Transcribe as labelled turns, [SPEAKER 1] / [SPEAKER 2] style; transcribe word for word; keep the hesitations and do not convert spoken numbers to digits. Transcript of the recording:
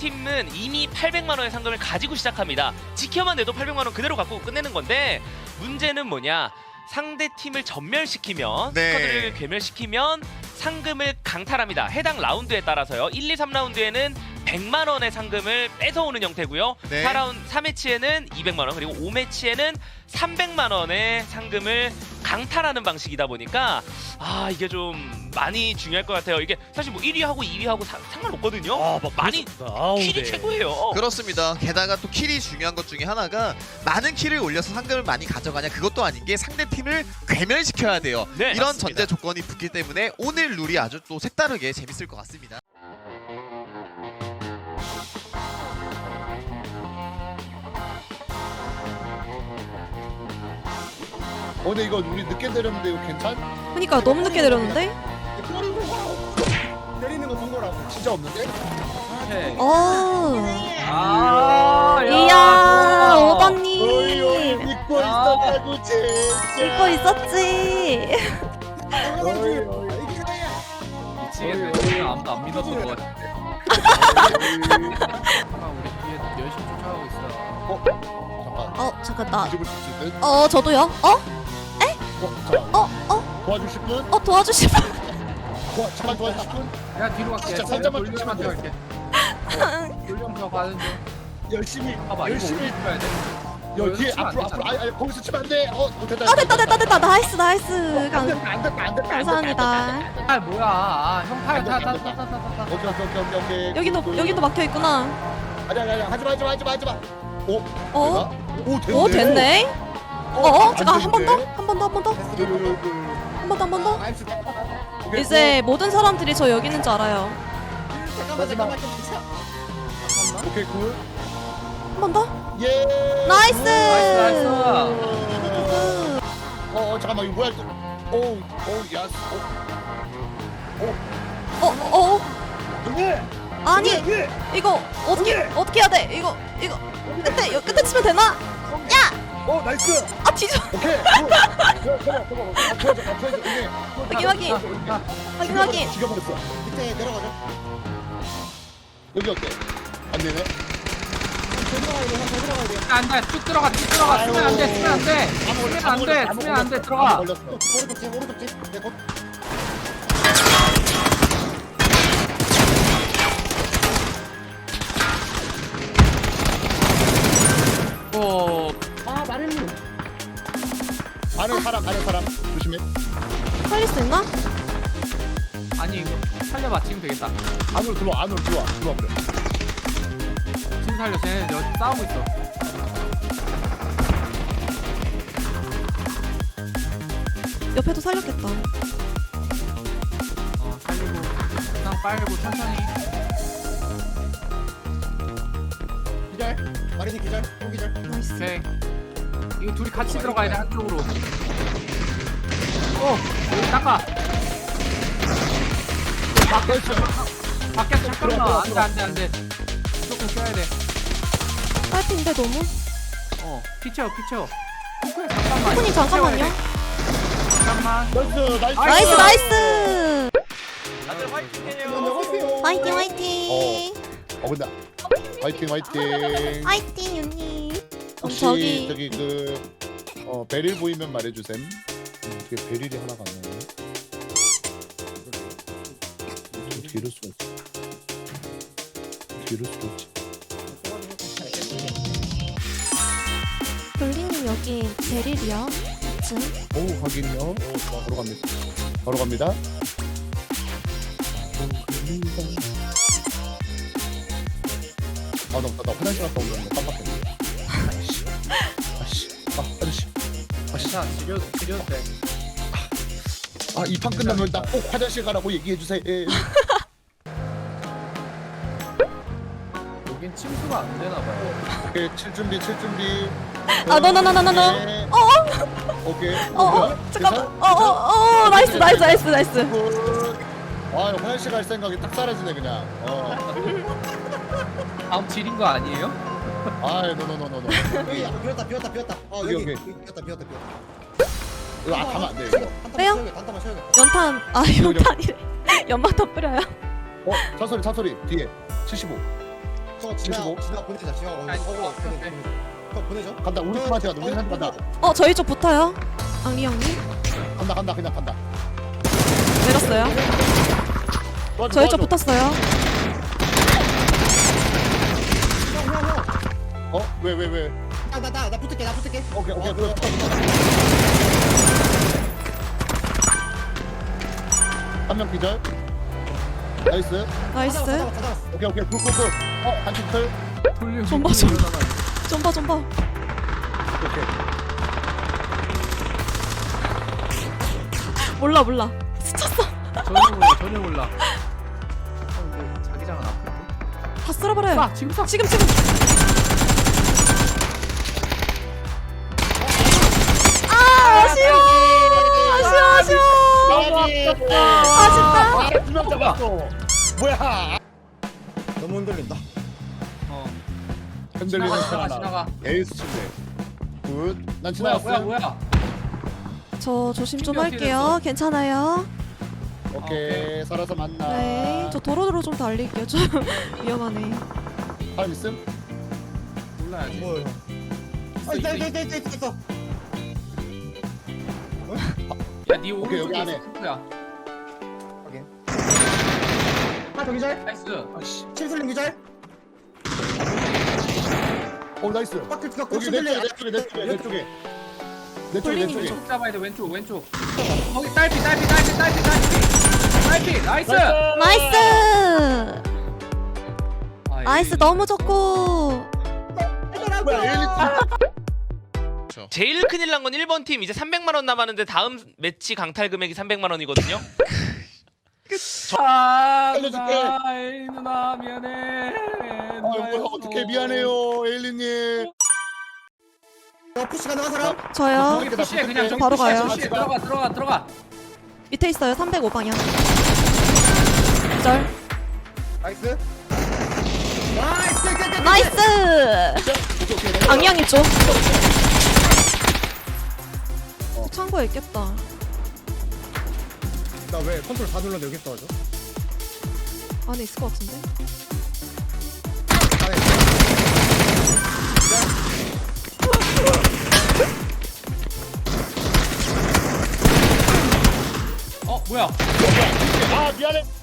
[SPEAKER 1] 팀은 이미 팔백만 원의 상금을 가지고 시작합니다. 지켜만 내도 팔백만 원 그대로 갖고 끝내는 건데 문제는 뭐냐? 상대 팀을 전멸시키면
[SPEAKER 2] 네.
[SPEAKER 1] 스쿼드를 괴멸시키면 상금을 강탈합니다. 해당 라운드에 따라서요. 일, 이, 삼 라운드에는 백만 원의 상금을 뺏어오는 형태고요.
[SPEAKER 2] 네.
[SPEAKER 1] 사 라운드 삼 매치에는 이백만 원 그리고 오 매치에는 삼백만 원의 상금을 강탈하는 방식이다 보니까 아 이게 좀 많이 중요할 것 같아요. 이게 사실 뭐 일 위하고 이 위하고 사, 상관없거든요.
[SPEAKER 3] 아, 막
[SPEAKER 1] 많이
[SPEAKER 3] 아우,
[SPEAKER 1] 킬이
[SPEAKER 3] 네.
[SPEAKER 1] 최고예요.
[SPEAKER 2] 그렇습니다. 게다가 또 킬이 중요한 것 중에 하나가 많은 킬을 올려서 상금을 많이 가져가냐 그것도 아닌 게 상대 팀을 괴멸시켜야 돼요.
[SPEAKER 1] 네,
[SPEAKER 2] 이런
[SPEAKER 1] 맞습니다.
[SPEAKER 2] 전제 조건이 붙기 때문에 오늘 룰이 아주 또 색다르게 재밌을 것 같습니다.
[SPEAKER 4] 어 근데 이거 우리 늦게 내렸는데 이거 괜찮?
[SPEAKER 5] 그니까 너무 늦게 내렸는데?
[SPEAKER 4] 때리는 거 본 거라고 진짜 없는데?
[SPEAKER 5] 어.
[SPEAKER 3] 아,
[SPEAKER 5] 이야,
[SPEAKER 4] 어이
[SPEAKER 5] 오더님.
[SPEAKER 4] 믿고
[SPEAKER 3] 아.
[SPEAKER 4] 있었다고 진짜
[SPEAKER 5] 믿고 있었지.
[SPEAKER 4] 어이 어이
[SPEAKER 3] 미치겠네. 아무도 안 믿었던 것 같아. 우리 뒤에 열심히 쫓아가고 있어.
[SPEAKER 4] 잠깐
[SPEAKER 5] 어, 잠깐 나.
[SPEAKER 4] 뒤집을 수 있을 듯?
[SPEAKER 5] 어, 저도요. 어?
[SPEAKER 4] 어? 잠깐
[SPEAKER 5] 어? 어?
[SPEAKER 4] 도와주실 분?
[SPEAKER 5] 어, 도와주실 분.
[SPEAKER 4] 도와, 잠깐 도와주실 분?
[SPEAKER 3] 야 뒤로 갈게.
[SPEAKER 4] 진짜 살짝만
[SPEAKER 3] 돌려만
[SPEAKER 4] 쫓아가면
[SPEAKER 3] 들어갈게. 돌려서 가는 중.
[SPEAKER 4] 열심히
[SPEAKER 3] 봐봐 이거
[SPEAKER 4] 열심히
[SPEAKER 3] 어디 가야 돼?
[SPEAKER 4] 여 뒤에
[SPEAKER 3] 치면 안
[SPEAKER 4] 앞으로
[SPEAKER 3] 되잖아.
[SPEAKER 4] 앞으로 아니 아니 거기서 치면 안돼 어 됐다
[SPEAKER 5] 아, 됐다, 됐다, 됐다. 나이스, 나이스.
[SPEAKER 4] 안
[SPEAKER 5] 감,
[SPEAKER 4] 됐다 안 됐다 안 됐다
[SPEAKER 5] 감사합니다.
[SPEAKER 3] 아 뭐야? 아, 형 팔 다 다 다 다 다.
[SPEAKER 4] 오케이 오케이 오케이 오케이 오케이
[SPEAKER 5] 여기도, 여기도 막혀 있구나.
[SPEAKER 4] 아니 아니 아니 하지마 하지마 하지마 하지마 오?
[SPEAKER 5] 어?
[SPEAKER 4] 되나? 오 됐네
[SPEAKER 5] 오, 됐네. 어, 어? 잠깐, 한 번 더?
[SPEAKER 4] 되는데?
[SPEAKER 5] 한 번 더, 한 번 더? 한 번 더, 한 번 더?
[SPEAKER 4] 오케이,
[SPEAKER 5] 이제 모든 사람들이 저 여기 있는 줄 알아요.
[SPEAKER 4] 마지막 오케이 굿
[SPEAKER 5] 한 번 더?
[SPEAKER 4] 예.
[SPEAKER 5] 나이스!
[SPEAKER 3] 나이스 나이스.
[SPEAKER 4] 어, 어 잠깐만 이거 뭐야? 오우 오우 야스.
[SPEAKER 5] 어, 어?
[SPEAKER 4] 형님.
[SPEAKER 5] 아니,
[SPEAKER 4] 형님.
[SPEAKER 5] 이거 어떻게, 어떻게 해야 돼? 이거, 이거. 끝에, 여- 끝에 치면 되나?
[SPEAKER 4] 어 나이스.
[SPEAKER 5] 아, 뒤져.
[SPEAKER 4] 오케이. 굿. 그래 그래 그래. 맞춰줘 맞춰줘 이게.
[SPEAKER 5] 확인, 확인. 확인, 확인.
[SPEAKER 4] 죽여버렸어. 밑에 내려가자. 여기 어때? 안 되네.
[SPEAKER 3] 안돼 쭉 들어가 쭉 들어가. 쓰면 안돼 쓰면 안돼. 쓰면 안돼 쓰면 안돼 들어가.
[SPEAKER 4] 걸렸어. 오른쪽 집 오른쪽 집. 네, 곧.
[SPEAKER 3] 오.
[SPEAKER 4] 아 마린님. 안에 사람 안에 사람 조심해.
[SPEAKER 5] 살릴 수 있나?
[SPEAKER 3] 아니 이거 살려 맞추면 되겠다.
[SPEAKER 4] 안으로 들어와 안으로 들어와 들어와 버려.
[SPEAKER 3] 지금 살려 쟤네 여기 싸우고 있어.
[SPEAKER 5] 옆에도 살렸겠다.
[SPEAKER 3] 어 살리고 그냥 빨고 천천히.
[SPEAKER 4] 기절. 마린이 기절. 또 기절.
[SPEAKER 5] 나이스.
[SPEAKER 3] 오케이. 이거 둘이 같이 들어가야 돼 한쪽으로. 어 여기 닦아.
[SPEAKER 4] 나이스.
[SPEAKER 3] 밖에서 잠깐만 안돼 안돼 안돼. 무조건 껴야 돼.
[SPEAKER 5] 파이팅인데 너무?
[SPEAKER 3] 어 피쳐 피쳐. 잠깐만.
[SPEAKER 5] 코코님 잠깐만요.
[SPEAKER 3] 잠깐만.
[SPEAKER 4] 나이스 나이스.
[SPEAKER 5] 나이스, 나이스.
[SPEAKER 1] 다들 화이팅해요.
[SPEAKER 4] 안녕하세요.
[SPEAKER 5] 화이팅, 화이팅.
[SPEAKER 4] 어 근데 화이팅 화이팅.
[SPEAKER 5] 화이팅, 윤님. 그럼
[SPEAKER 4] 혹시
[SPEAKER 5] 저기,
[SPEAKER 4] 저기 그 어, 베릴 보이면 말해주셈. 음, 이게 베릴이 하나가 안 나오네. 어떻게 이럴 수가 있지? 어떻게 이럴 수가 있지?
[SPEAKER 5] 돌리님 여기 베릴이요. 층.
[SPEAKER 4] 오 확인요. 오, 좋아. 바로 갑니다. 바로 갑니다. 아, 나, 나, 나 화장실 갔다 오는데 깜빡했네. 아씨, 아씨, 아, 아저씨, 아씨,
[SPEAKER 3] 자 지려 지려도 돼.
[SPEAKER 4] 아, 이 판 끝나면 나 꼭 화장실 가라고 얘기해 주세요.
[SPEAKER 3] 여긴 침수가 안 되나 봐요.
[SPEAKER 4] 오케이, 칠 준비, 칠 준비.
[SPEAKER 5] 아, 너, 너, 너, 너, 너, 너.
[SPEAKER 4] 네.
[SPEAKER 5] 어,
[SPEAKER 4] 오케이.
[SPEAKER 5] 어, 어,
[SPEAKER 4] 뭐야?
[SPEAKER 5] 잠깐만.
[SPEAKER 4] 괜찮아?
[SPEAKER 5] 어, 어, 어, 나이스, 나이스, 나이스, 나이스.
[SPEAKER 4] 굿. 아, 화장실 갈 생각이 딱 사라지네 그냥. 어.
[SPEAKER 3] 다음 질인 거 아니에요?
[SPEAKER 4] 아, 노노노노노.
[SPEAKER 6] 여기 아, 비었다 비었다 비었다 어
[SPEAKER 4] 여기,
[SPEAKER 6] 여기
[SPEAKER 4] 여기.
[SPEAKER 6] 여기 비었다 비었다 비었다
[SPEAKER 4] 이거 아, 가면 안 돼 이거.
[SPEAKER 5] 왜요?
[SPEAKER 6] 단타만 쉬어야겠다
[SPEAKER 5] 연탄, 아, 연탄이래. 연막 더 뿌려요.
[SPEAKER 4] 어, 차소리, 차소리 뒤에 칠십오.
[SPEAKER 6] 저 지나
[SPEAKER 4] 칠십오.
[SPEAKER 6] 지나 보내자. 지나
[SPEAKER 3] 아니,
[SPEAKER 6] 어디 어디
[SPEAKER 3] 어,
[SPEAKER 6] 보내
[SPEAKER 3] 오케이.
[SPEAKER 6] 보내자. 저 보내줘.
[SPEAKER 4] 간다. 우리 팀한테 간다. 우리 팀한테 간다.
[SPEAKER 5] 어 저희 쪽 붙어요. 앙리 형님
[SPEAKER 4] 간다 간다 그냥 간다.
[SPEAKER 5] 내렸어요.
[SPEAKER 4] 도와줘,
[SPEAKER 5] 저희 쪽
[SPEAKER 4] 도와줘.
[SPEAKER 5] 붙었어요.
[SPEAKER 6] 형, 형, 형.
[SPEAKER 4] 어? 왜 왜 왜?
[SPEAKER 6] 나, 나, 나, 나 붙을게, 나 붙을게.
[SPEAKER 4] 오케이 오케이
[SPEAKER 6] 어,
[SPEAKER 4] 그래. 한명 기절. 나이스.
[SPEAKER 5] 나이스.
[SPEAKER 6] 다 잡았어, 다 잡았어.
[SPEAKER 4] 오케이 오케이 굿굿굿. 어 한팀 털.
[SPEAKER 3] 돌려.
[SPEAKER 5] 좀 봐, 좀. 좀 봐, 좀 봐.
[SPEAKER 4] 오케이.
[SPEAKER 5] 몰라, 몰라. 스쳤어.
[SPEAKER 3] 전혀 몰라. 전혀 몰라. 어, 근데 자기장은 아픈데.
[SPEAKER 5] 다 쓸어버려요.
[SPEAKER 3] 쏴 지금 쏴.
[SPEAKER 5] 지금, 지금. 아, 아쉬워. 아쉬워, 아쉬워. 아쉽다.
[SPEAKER 4] 두명 잡았어. 뭐야?
[SPEAKER 6] 너무 흔들린다.
[SPEAKER 3] 어.
[SPEAKER 4] 흔들리는
[SPEAKER 3] 지나가
[SPEAKER 4] 사람.
[SPEAKER 3] 지나가.
[SPEAKER 4] 에이스 침대. 굿. 난
[SPEAKER 3] 뭐야
[SPEAKER 4] 지나갔어.
[SPEAKER 3] 뭐야 뭐야.
[SPEAKER 5] 저 조심 좀
[SPEAKER 3] 신경
[SPEAKER 5] 할게요.
[SPEAKER 3] 쓰였어.
[SPEAKER 5] 괜찮아요.
[SPEAKER 4] 오케이 살아서 만나.
[SPEAKER 5] 네. 저 도로도로 좀 달릴게요. 좀 위험하네.
[SPEAKER 4] 사람 있음?
[SPEAKER 3] 몰라야지.
[SPEAKER 6] 뭐? 아, 있다, 있다, 있다, 있다, 있다.
[SPEAKER 3] 야네
[SPEAKER 4] 오케이, 여기
[SPEAKER 3] 오른쪽에
[SPEAKER 4] 안에.
[SPEAKER 3] 스쿠프야.
[SPEAKER 6] 아, 저 기절.
[SPEAKER 3] 나이스.
[SPEAKER 4] 아씨.
[SPEAKER 6] 침슬림 기절.
[SPEAKER 4] 어 나이스.
[SPEAKER 6] 바퀴 가
[SPEAKER 4] 여기 내 쪽에 내 쪽에 내 쪽에 내 쪽에. 내 쪽에 내 쪽에.
[SPEAKER 3] 왼쪽 잡아야 돼. 왼쪽 왼쪽. 거기 딸피 딸피 딸피 딸피 딸피. 딸피 나이스.
[SPEAKER 5] 나이스.
[SPEAKER 3] 아,
[SPEAKER 5] 나이스
[SPEAKER 3] 이-
[SPEAKER 5] 너무 좋고.
[SPEAKER 4] 뭐야 에일리
[SPEAKER 1] 제일 큰일 난 건 일 번 팀 이제 삼백만 원 남았는데 다음 매치 강탈 금액이 삼백만 원이거든요.
[SPEAKER 3] 아,
[SPEAKER 4] 알려줄게.
[SPEAKER 3] 누나, 에이, 누나 미안해.
[SPEAKER 4] 아 뭐야 어떻게 미안해요 에일리님.
[SPEAKER 6] 어, 푸시 가능한 사람?
[SPEAKER 5] 저요.
[SPEAKER 3] 저기 푸시해 그냥 저기
[SPEAKER 5] 바로
[SPEAKER 3] 푸시해,
[SPEAKER 5] 가요.
[SPEAKER 3] 푸시해. 들어가 들어가 들어가.
[SPEAKER 5] 밑에 있어요. 삼백오 방향. 기절.
[SPEAKER 6] 나이스. 나이스, 끝, 끝, 끝, 끝.
[SPEAKER 5] 나이스. 앙양이 쪽. 저 창고에 있겠다.
[SPEAKER 6] 나왜 컨트롤 다 눌렀는데 여기 떨어져?
[SPEAKER 5] 안에 있을 것 같은데.
[SPEAKER 3] 어 뭐야?
[SPEAKER 4] 아 미안해.